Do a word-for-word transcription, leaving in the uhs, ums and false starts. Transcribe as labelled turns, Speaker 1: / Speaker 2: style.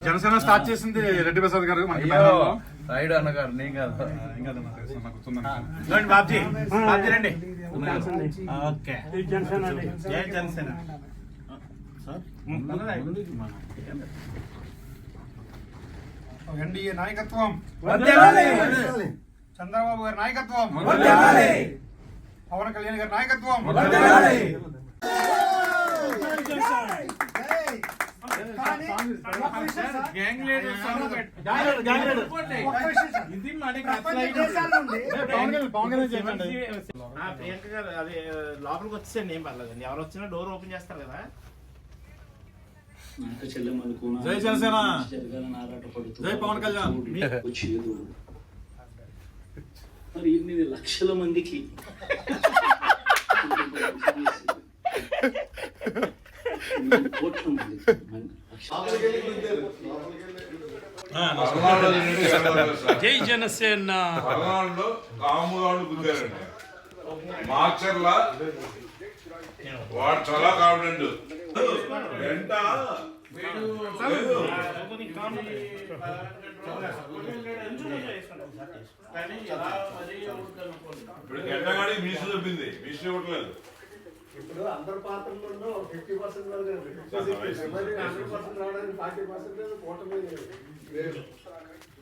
Speaker 1: Janasena start చేసింది రెడ్డి ప్రసాద్ గారు మనకి
Speaker 2: రైడ్ అన్నగారు నేను కాదు
Speaker 3: బాబ్జీ బాబ్జీ రండి. ఓకే జై జనసేన.
Speaker 1: ఎన్డీఏ నాయకత్వం, చంద్రబాబు గారి నాయకత్వం, పవన్ కళ్యాణ్ గారి నాయకత్వం.
Speaker 3: ప్రియాంక గారు అది లోపలికి వచ్చేసండి, ఏం పర్లేదండి. ఎవరు వచ్చినా డోర్ ఓపెన్ చేస్తారు కదా.
Speaker 1: జై జనసేన, జై పవన్ కళ్యాణ్.
Speaker 4: మరి ఎనిమిది లక్షల మందికి కోట్ల మంది
Speaker 5: జై జనసేన.
Speaker 6: కాముగాడు గుద్దారండి మాచర్ల, వాడు చాలా కాన్ఫిడెంట్. వెంట ఇప్పుడు గంటగాడి మీసు చెప్పింది, మీసు ఇవ్వట్లేదు.
Speaker 7: ఇప్పుడు అందరు పాత్రల్లో ఫిఫ్టీ పర్సెంట్ వరకు హండ్రెడ్ పర్సెంట్ రావడానికి ఫార్టీ పర్సెంట్ కూటమి లేదు.